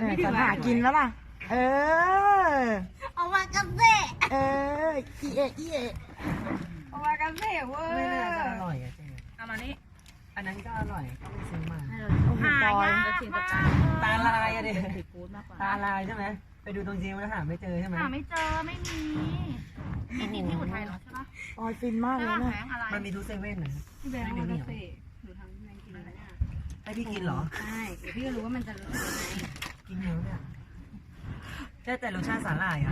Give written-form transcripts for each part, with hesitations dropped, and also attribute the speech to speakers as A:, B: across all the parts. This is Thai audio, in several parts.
A: จะหากินแล้วล่ะเออ
B: เอามากระเซะ
A: อีเอะอีเอะ
B: เอามากระเซะเว้ย
C: ไม่น่าจะอร่อยอะเจ๊
B: เอามานี่
C: อันนั้นก็อร่อยก็ไปซื้อมา
A: โอ้โหปอย
C: ตาลายอะดิ
B: ติดกูดมากกว่า
C: ตาลายใช่ไหมไปดูตรงจีนแล้วหาไม่เจอใช่ไหม
B: หาไม่เจอไม่มีมีที่อุทัยเหรอใช่ปะ
A: ปอยฟินมาก
B: ใช่
A: เลย
B: ปะ
A: นะ
B: แบงค์อะไร
C: มันมีทุกเซเว่นนะ
B: พี่แบงค์มากระเซะหนูทำแบงค์กินอะไรเนี่ย
C: ให้พี่กินเหรอ
B: ใช่เดี๋ยวพี่ก็รู้ว่ามันจะรู้ยังไง
C: กินเยอะเนี่ยแต่รสชาติสาหร่ายอ่ะ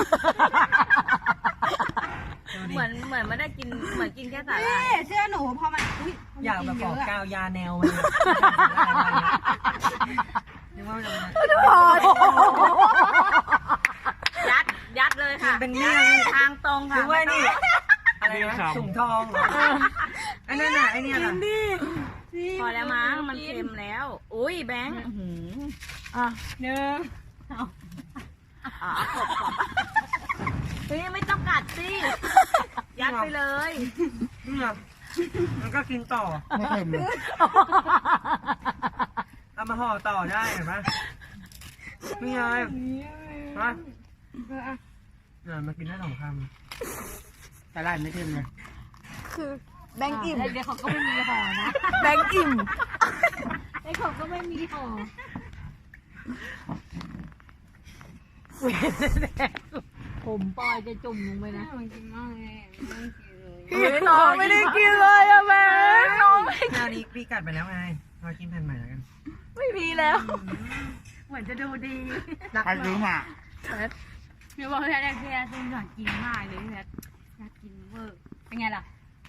C: ดูดิ
D: เหมือนไม่ได้กินเหมือนกินแค่สาห
B: นี่
D: ร่าย
B: เชื่อหนูพอมันอุ้ย
C: อยากแบบ
B: เย
C: บอก
B: อะ
C: กา
B: อะ
C: วยาแนวมันเนี่ยนึกว่ามันจะมา
D: ยัดเลยค่ะ
C: เป็นเรื่อง
D: ทางตรง
C: คื
D: ค่ะ
C: อว่านี่อะไรนะถุงทองเหรออันนั้นน่ะไอเนี่ยน่ะ
D: พอแล้วมั้งมันเค็มแล้ว อุ้ยแบงค์อื้อหือ
A: อ่ะ
B: หนึ่ง
D: อ๋อขบเฮ้ยไม่ต้องกัดสิยัดไปเลย
C: เนี่ยมันก็กินต่อ
E: ไม่เค็มเลย
C: เอามาห่อต่อได้เห็นไหมนี่ไงฮะเนี่ยมากินได้2 คำ
E: สาหร่ายไม่เค็มเลย
A: คือแบงค์อิ่ม
B: เดี๋ยวเขาก็ไม่มีห่อนะ
A: แบงค์อิ่ม
B: ไอ้เขาก็ไม่มีห่อ
D: ผมปอยจะจุ่มลงไปนะ
B: มันกินมากเลยไม่กินเลย
A: น้องไม่ได้กินเลยอะแบงค์น้องไม่
C: แนวนี้พี่กัดไปแล้วไงมากินแผ่นใหม่แล้วกัน
A: ไม่มีแล้ว
B: เหมือนจะดูดี
E: ใครซื้อมา
B: เดี๋ยวบอกพี่แพทย์พี่แพทย์อยากกินมากเลยพี่แพทย์อยากกินเวอร์เป็นไงล่ะ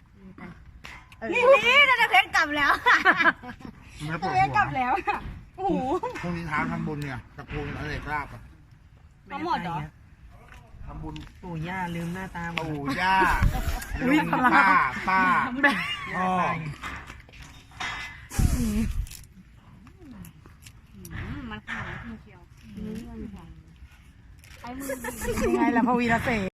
B: นี่นาเพชรกลับแล้ว
E: ไม่ปวด
B: เพชร
E: หั
B: กลับ
E: ว
B: แล้วโอ้โห
E: พรุ่งนี้เช้าทำบุญเนี่ยตะโกนอะไรกราบอ่ะ
B: ทั้งหมดเหรอ
E: ทำบุญ
C: ปู่ย่าลืมหน้าตาหมด
E: ปู่ย่าลุงป้าป้าพ่อ
B: มันขนาดนี้เชียวไอ้มือ
A: ยังไงล่ะพวีรเส